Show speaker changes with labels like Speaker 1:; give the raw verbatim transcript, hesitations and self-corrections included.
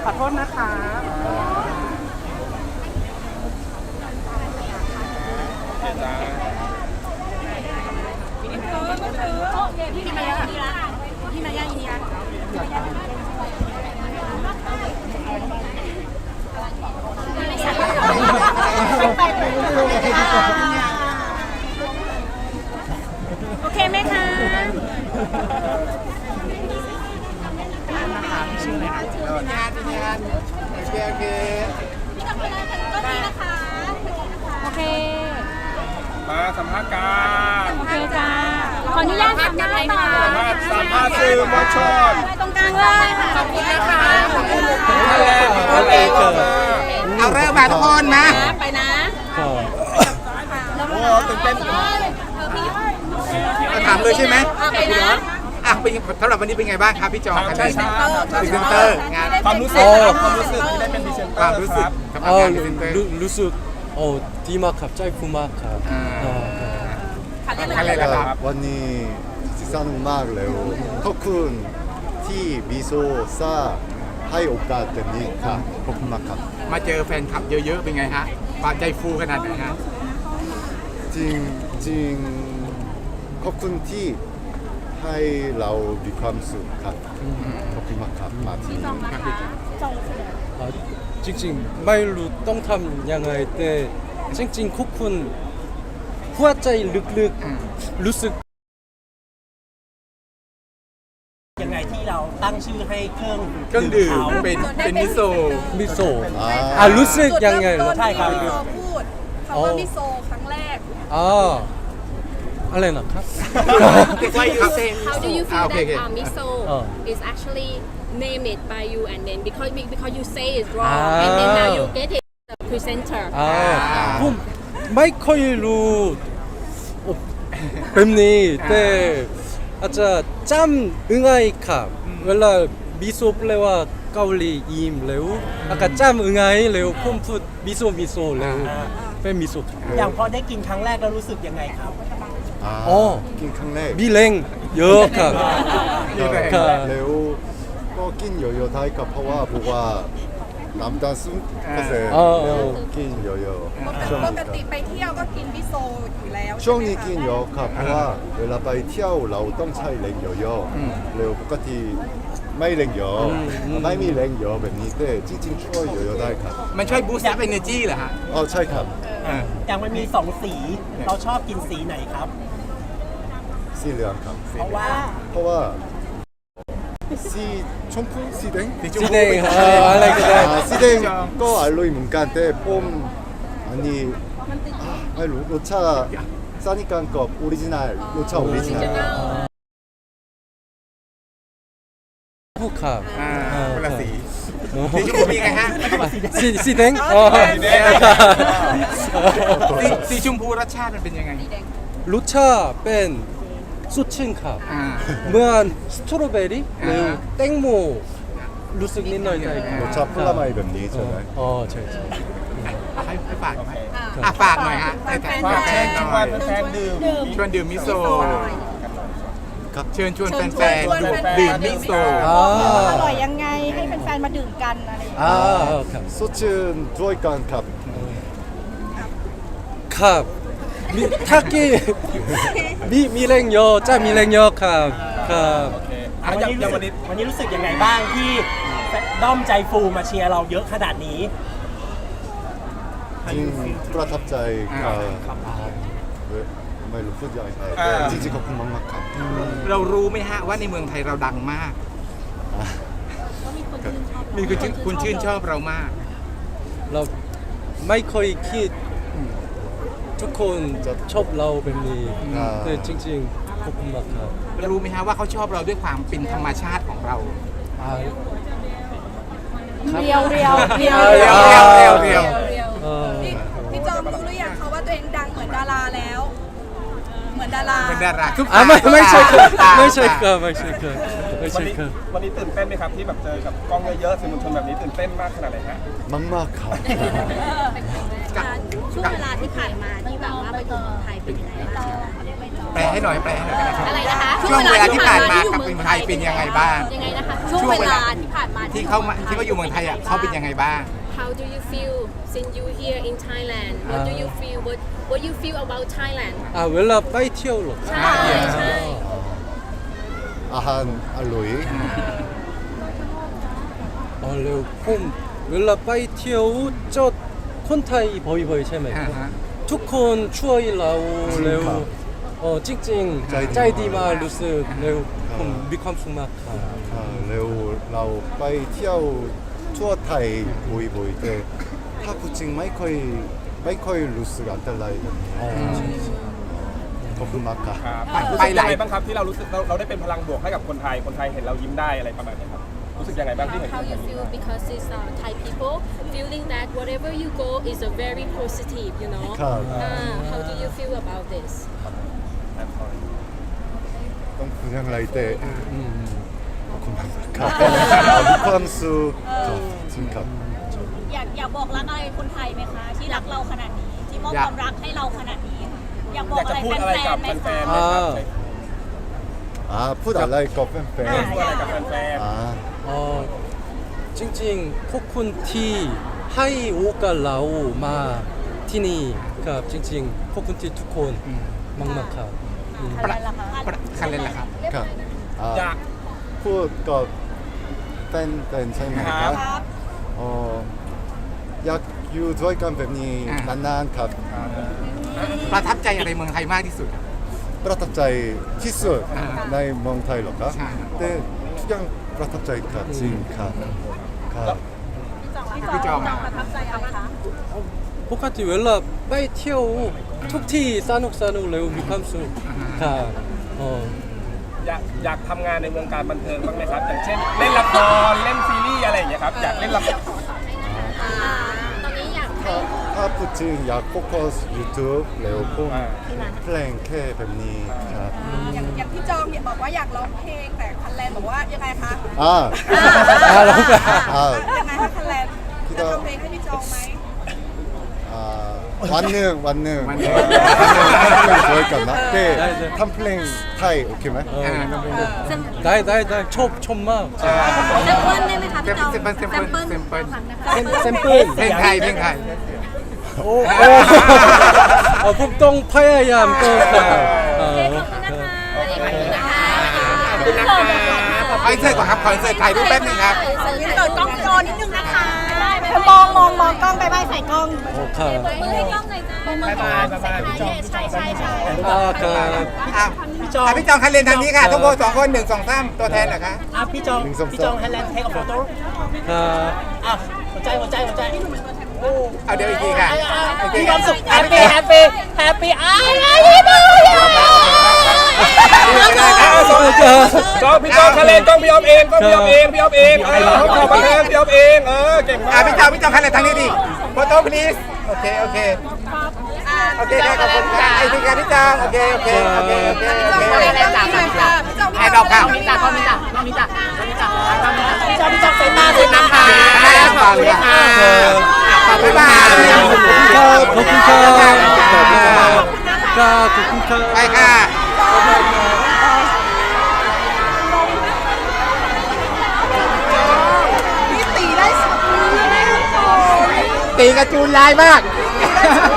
Speaker 1: ขอโทษนะคะพี่มายาพี่มายาอินเดียโอเคไหมคะนะคะพี่ชื่ออะไรนะงานงานโอเคโอเคพี่กับเวลาถึงก็ดีนะคะโอเค
Speaker 2: มาสัมภาษณ์กัน
Speaker 1: โอเคจ้าขออนุญาตสัมภาษณ์ต่อ
Speaker 2: สัมภาษณ์สื่อมวลชน
Speaker 1: ตรงกลางเลยขอบคุณนะคะ
Speaker 2: ท่านแรกท่านแรก
Speaker 3: เอาเริ่มมาทุกคนนะ
Speaker 1: ไปนะ
Speaker 2: โอ้ตื่นเต้น
Speaker 3: ถามเลยใช่ไหม
Speaker 1: ไปนะ
Speaker 3: อ่ะเป็นสำหรับวันนี้เป็นไงบ้างครับพี่จอ
Speaker 2: ใช่ใช่
Speaker 3: พรีเซนเตอร์งาน
Speaker 2: ความรู้สึกความรู้สึกที่ได้เป็นพรีเซนเตอร์
Speaker 3: ความรู้สึกกับงานพรีเซนเตอร์
Speaker 4: รู้สึกโอ้ดีมากครับใจฟูมากครับ
Speaker 3: อะไรล่ะครับ
Speaker 5: วันนี้สนุกมากเลยขอบคุณที่มิโซซ่าให้โอกาสแบบนี้ครับขอบคุณมากครับ
Speaker 3: มาเจอแฟนคลับเยอะๆเป็นไงฮะความใจฟูขนาดไหนฮะ
Speaker 5: จริงจริงขอบคุณที่ให้เรามีความสุขครับขอบคุณมากครับมาที่นี่
Speaker 4: จริงๆไม่รู้ต้องทำยังไงแต่จริงๆคุกคุณหัวใจลึกๆรู้สึก
Speaker 6: ยังไงที่เราตั้งชื่อให้เครื่อง
Speaker 3: เครื่องดื่มเป็นเป็นมิโซ
Speaker 4: มิโซอ่ารู้สึกยังไง
Speaker 1: ใช่ครับพูดคำว่ามิโซครั้งแรก
Speaker 4: อ๋ออะไรนะครับ
Speaker 7: How do you feel that uh, miso is actually named it by you and then because because you say it's wrong and then now you get it the presenter
Speaker 4: ผมไม่ค่อยรู้แบบนี้แต่อาจจะจำง่ายครับเวลามิโซแปลว่าเกาหลียิ้มเร็วแล้วก็จำง่ายเร็วผมพูดมิโซมิโซเร็วเป็นมิโซ
Speaker 6: อย่างพอได้กินครั้งแรกแล้วรู้สึกยังไงครับ
Speaker 4: อ๋อ
Speaker 5: กินครั้งแรก
Speaker 4: มีแรงเยอะครับ
Speaker 5: แล้วก็กินเยอะๆได้ครับเพราะว่าเพราะว่าน้ำตาลสูงก็เสร็จแล้วกินเยอะๆ
Speaker 1: ปกติไปเที่ยวก็กินมิโซอยู่แล้ว
Speaker 5: ช่วงนี้กินเยอะครับเพราะว่าเวลาไปเที่ยวเราต้องใช้แรงเยอะๆแล้วปกติไม่แรงเยอะไม่มีแรงเยอะแบบนี้แต่จริงๆช่วยเยอะๆได้ครับ
Speaker 3: มันช่วยบูสต์อัพเอเนอร์จีเหรอฮะ
Speaker 5: อ๋อใช่ครับ
Speaker 6: อย่างมันมีสองสีเราชอบกินสีไหนครับ
Speaker 5: สีเหลืองครับ
Speaker 6: เพราะว่า
Speaker 5: เพราะว่าสีชมพูสีแดง
Speaker 4: สีแดงอะไรก็ได้
Speaker 5: สีแดงก็อร่อยเหมือนกันแต่ผมอันนี้ไม่รู้รสชาติซานิกันกับออริจินัลรสชาติออริจินัล
Speaker 4: ผู้ขับ
Speaker 3: คนละสีสีชมพูมีไงฮะ
Speaker 4: สีสีแดง
Speaker 3: สีชมพูรสชาติมันเป็นยังไง
Speaker 4: รสชาติเป็นสดชื่นครับเหมือนสตรอเบอรี่หรือแตงโมรู้สึกนิดหน่อย
Speaker 5: รสชาติผลไม้แบบนี้ใช่ไหม
Speaker 4: อ๋อใช่ใช่
Speaker 3: ให้ฝากไหมอ่ะฝากหน่อยฮะ
Speaker 2: ฝากแฟนชวนแฟนดื่ม
Speaker 3: ชวนดื่มมิโซเชิญชวนแฟนๆดื่มมิโซ
Speaker 1: อร่อยยังไงให้แฟนๆมาดื่มกันอะไรอย่างเงี้ย
Speaker 5: สดชื่นด้วยกันครับ
Speaker 4: ครับถ้ากี้มีมีแรงเยอะจะมีแรงเยอะครับครับ
Speaker 6: วันนี้วันนี้วันนี้รู้สึกยังไงบ้างที่ด้อมใจฟูมาเชียร์เราเยอะขนาดนี้
Speaker 5: จริงประทับใจครับไม่รู้พูดยังไงจริงๆขอบคุณมากๆครับ
Speaker 3: เรารู้ไหมฮะว่าในเมืองไทยเราดังมากมีคนชื่นคุณชื่นชอบเรามาก
Speaker 4: เราไม่เคยคิดทุกคนจะชอบเราแบบนี้แต่จริงๆขอบคุณมากครับ
Speaker 3: รู้ไหมฮะว่าเขาชอบเราด้วยความเป็นธรรมชาติของเรา
Speaker 1: เรียวเรียวเรียว
Speaker 3: เรียวเรียวเรียวเรียว
Speaker 1: พี่จอมรู้หรือยังเขาว่าตัวเองดังเหมือนดาราแล้วเหมือนดารา
Speaker 3: เหมือนดารา
Speaker 4: ไม่ไม่ใช่ครับไม่ใช่ครับไม่ใช่ครับไม่ใช่ครับ
Speaker 2: วันนี้ตื่นเต้นไหมครับที่แบบเจอกับกล้องเยอะๆสื่อมวลชนแบบนี้ตื่นเต้นมากขนาดไหนฮะ
Speaker 5: มากๆครับ
Speaker 7: ช่วงเวลาที่ผ่านมาที่แบบว่าไปอยู่เมืองไทยเป็นยังไงบ้าง
Speaker 3: แปลให้หน่อยแปลให้หน่อยก็ได้ครับ
Speaker 7: อะไรนะคะ
Speaker 3: ช่วงเวลาที่ผ่านมากับเมืองไทยเป็นยังไงบ้าง
Speaker 7: ยังไงนะคะช่วงเวลาที่ผ่านมา
Speaker 3: ที่เขามาที่เขาอยู่เมืองไทยอ่ะเขาเป็นยังไงบ้าง
Speaker 7: How do you feel since you here in Thailand What do you feel What What you feel about Thailand
Speaker 4: 아 웰라 빠이 티어로
Speaker 7: ใช่ใช่
Speaker 5: อาหารอร่อย
Speaker 4: 어 레오 폼 웰라 빠이 티어 저 콘타이 버이 버이 체메
Speaker 3: อ่าฮะ
Speaker 4: ทุกคนช่วยเราเร็วเออจริงๆใจดีมากรู้สึกเร็วผมมีความสุขมากครับ
Speaker 5: อ่าเร็วเราไปเที่ยวทั่วไทยบ่อยๆแต่ถ้าพูดจริงไม่ค่อยไม่ค่อยรู้สึกอันตรายแบบนี้ขอบคุณมากครับ
Speaker 2: ครับรู้สึกยังไงบ้างครับที่เรารู้สึกเราเราได้เป็นพลังบวกให้กับคนไทยคนไทยเห็นเรายิ้มได้อะไรประมาณนี้ครับรู้สึกยังไงบ้างที่เห็น
Speaker 7: How you feel because it's uh, Thai people feeling that whatever you go is a very positive you know
Speaker 5: ครับ
Speaker 7: uh, How do you feel about this
Speaker 5: ต้องพูดอย่างไรแต่ขอบคุณมากครับมีความสุขครับจริงครับ
Speaker 8: อยากอยากบอกรักอะไรคนไทยไหมคะ ที่รักเราขนาดนี้ ที่มอบความรักให้เราขนาดนี้ค่ะอยากบอ
Speaker 2: อก ยาก
Speaker 8: อะ
Speaker 2: จะ
Speaker 8: ไร
Speaker 2: พูด
Speaker 8: แฟ
Speaker 2: อะไรกับ
Speaker 8: นๆไหม
Speaker 2: แฟ
Speaker 8: คะ
Speaker 2: นๆไหมครับ
Speaker 5: อ่าพูดอะไรกับแฟน
Speaker 2: พูดอะไรกับแฟน
Speaker 5: ๆอ่า
Speaker 4: 어 찡찡 코쿤티 하이 오가 라오 마 티니 가 찡찡 코쿤티 투콘 막막하
Speaker 3: ประประคันเล่นละครับ
Speaker 5: ครับอ่า
Speaker 2: ๆอยาก
Speaker 5: พูดกับแฟนแฟนใช่ไหมครับอ๋ออยากอยู่ด้วยกันแบบนี้
Speaker 3: อ่า
Speaker 5: นานๆครับ
Speaker 3: ประทับใจอะไรเมืองไทยมากที่สุด
Speaker 5: ประทับใจที่สุด
Speaker 3: อ่า
Speaker 5: ในเมืองไทยเหรอครับ
Speaker 3: ใช่
Speaker 5: แต่ทุกอย่างประทับใจครับจริงครับครับ
Speaker 3: พี่จอม
Speaker 8: ประทับใจอะไรคะ
Speaker 4: 포카티 웰라 빠이 티어 툭티 싸녹 싸녹 레오 미캄수 가 어.
Speaker 2: อยากอยากทำงานในวงการบันเทิงบ้างไหมครับอย่างเช่นเล่นละครเล่นซีรีส์อะไรอย่างเงี้ยครับอยากเล่นละคร
Speaker 7: อ่าตอนนี้อยากให้
Speaker 5: ถ้าถ้าพูดจริงอยากโฟกัส YouTube แล้วก็เพลงแค่แบบนี้ครับ
Speaker 1: อย่างอย่างพี่จอมเนี่ยบอกว่าอยากร้องเพลงแต่คันแลนบอกว่ายังไงคะ
Speaker 5: อ่า
Speaker 4: 아 너무
Speaker 5: อ่า
Speaker 1: ยังไงคะคันแลนจะร้องเพลงให้พี่จอมไหม
Speaker 5: อ่าวันหนึ่งวันหนึ่ง
Speaker 3: วันหนึ่ง
Speaker 5: วันหนึ่งทำเพลงสวยกันนะแต่
Speaker 4: ได้ได้
Speaker 5: ทำเพลงไทยโอเคไหม
Speaker 4: 어. 나이 나이 나이 초 촌마
Speaker 7: แซมเปิลได้ไหมคะพี่จอม
Speaker 3: เซมเปิลเซมเปิลเซมเปิล
Speaker 4: 샘플
Speaker 3: เพลงไทยเพลงไทย
Speaker 4: 오. 어 북동 파야얌 또 가.
Speaker 7: โอเคขอบคุณนะคะขอบคุณนะคะ
Speaker 3: คอนเสิร์ตก่อนครับคอนเสิร์ตถ่ายรูปแป๊บนึงครับ
Speaker 1: นี่เปิดกล้องจอนิดนึงนะคะมองมองมองกล้องไปไปใส่กล้อง
Speaker 4: 오 가.
Speaker 7: มือให้กล้องหน่อยจ้า
Speaker 2: บ๊ายบายบ๊ายบายพี่จอม
Speaker 7: ใช่ใช่ใช่
Speaker 4: 아 가.
Speaker 3: อ้าวพี่จองพี่จองคันเลนทางนี้ค่ะทุกคนสองคนหนึ่งสองสามตัวแทนเหรอคะ
Speaker 6: อ่ะพี่จอง
Speaker 5: หนึ่งสองสาม
Speaker 6: พี่จองไทยแลนด์เทคโฟโต้
Speaker 4: 가.
Speaker 6: อ่ะหัวใจหัวใจหัวใจ
Speaker 3: เอาเดี๋ยวอีกทีค่ะโอเค
Speaker 6: มี
Speaker 3: ค
Speaker 6: ค
Speaker 3: รั
Speaker 6: วา
Speaker 3: บ
Speaker 6: มสุขแฮปปี้แฮปปี้แฮปปี้อ้ายอ้ายอ้ายอ้าย
Speaker 2: จองพี่จองทะเลกล้องพี่ออมเองกล้องพี่ออมเองพี่ออมเองเออเขาขอบันเทิงพี่ออมเองเออเก่งมา
Speaker 3: อ่ะ
Speaker 2: ก
Speaker 3: พี่จองพี่จองคันเลนทางนี้ดิโฟโต้ please โอเคโอเคโอเคได้ขอบคุณค่ะไอ้ที่ค่ะพี่จองโอเคโอเคโอเคโอเคโอเค
Speaker 1: พี่จอมหน่อยค่ะพี่จอม
Speaker 3: ไอ้ดอกค่ะ
Speaker 6: พี่จองพี่จองพี่จองพี่จองพี่จองพี่จองใส่ตาใส่ตาค่ะ
Speaker 3: ขอบคุณค่ะขอบคุณค่ะ
Speaker 4: 고쿤카 고쿤카 가 고쿤카
Speaker 3: ไปค่ะ
Speaker 1: พี่ตีได้สุดเลย
Speaker 3: ตีกระจูนลายมาก
Speaker 1: ตีได้สุด